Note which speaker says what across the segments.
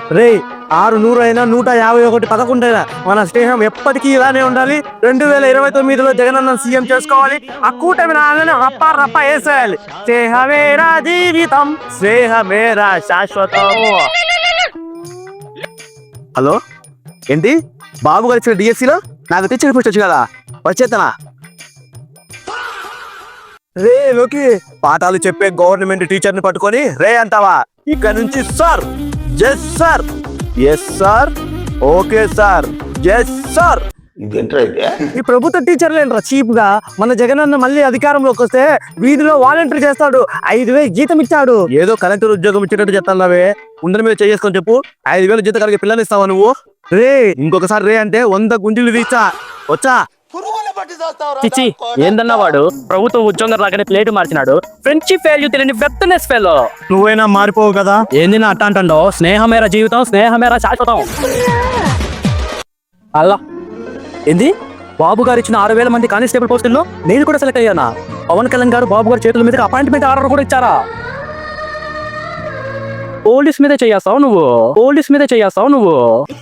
Speaker 1: రే 600 అయినా 151 11 మన స్నేహం ఎప్పటికీ ఇలానే ఉండాలి. 2029లో జగనన్న సీఎం చేసుకోవాలి. ఆ కూటమి రాగానే రప్ప రప్ప వేసేయాలి. స్నేహమేరా జీవితం, స్నేహమేరా శాశ్వతం. హలో, ఏంటి బాబు గారు ఇచ్చిన డిఎస్సిలో నాకు టీచర్ పోస్ట్ వచ్చు కదా, వచ్చేతనా? రే లోకి, పాఠాలు చెప్పే గవర్నమెంట్ టీచర్ ని పట్టుకొని రే అంటావా? ఇక్కడ నుంచి sir, yes sir, yes sir, okay sir, yes sir. ఈ ప్రభుత్వ టీచర్లు ఏంట్రా చీప్ గా? మన జగనన్న మళ్ళీ అధికారంలోకి వస్తే వీధిలో వాలంటీర్ చేస్తాడు, 5,000 జీతం ఇచ్చాడు. ఏదో కలెక్టర్ ఉద్యోగం ఇచ్చేటట్టు చెప్తాన్నావే, ఉండని మీద చేసుకొని చెప్పు. 5,000 జీతం కలిగి పిల్లలు ఇస్తావా నువ్వు? రే ఇంకొకసారి రే అంటే 100 గుంజీలు తీచ్చా. వచ్చా?
Speaker 2: చిచ్చి, ఏందన్నా వాడు ప్రభుత్వ ఉద్యోగం రాగానే ప్లేట్ మార్చినాడు. ఫ్రెండ్షిప్ వాల్యూ తెలియని వెత్తనెస్ ఫెలో.
Speaker 1: నువ్వైనా మారిపోవు కదా.
Speaker 2: ఏంది నా అట్ట అంటాడో? స్నేహమేరా జీవితం, స్నేహమేరా శాశ్వతం. అల్లా ఏంది? బాబు గారు ఇచ్చిన 6,000 మంది కానిస్టేబుల్ పోస్టుల్లో నేను కూడా సెలెక్ట్ అయ్యానా? పవన్ కళ్యాణ్ గారు బాబు గారి చేతుల మీద అపాయింట్మెంట్ ఆర్డర్ కూడా ఇచ్చారా? పోలీస్ మీదే చేస్తావు నువ్వు, పోలీస్ మీదే చేస్తావు నువ్వు.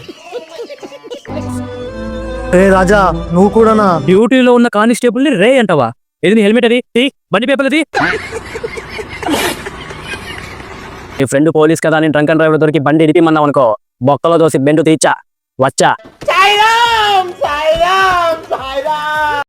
Speaker 1: రే రాజా, నువ్వు కూడానా?
Speaker 2: డ్యూటీలో ఉన్న కానిస్టేబుల్ ని రే అంటావా? ఏది హెల్మెట్ అది తీ, బండి పేపర్ అది. నీ ఫ్రెండ్ పోలీస్ కదా అని డ్రంక్ అండ్ డ్రైవర్ దొరికి బండి ఇడిపిమన్నావు అనుకో, బొక్కలో దోసి బెండు తీచ్చా వచ్చా.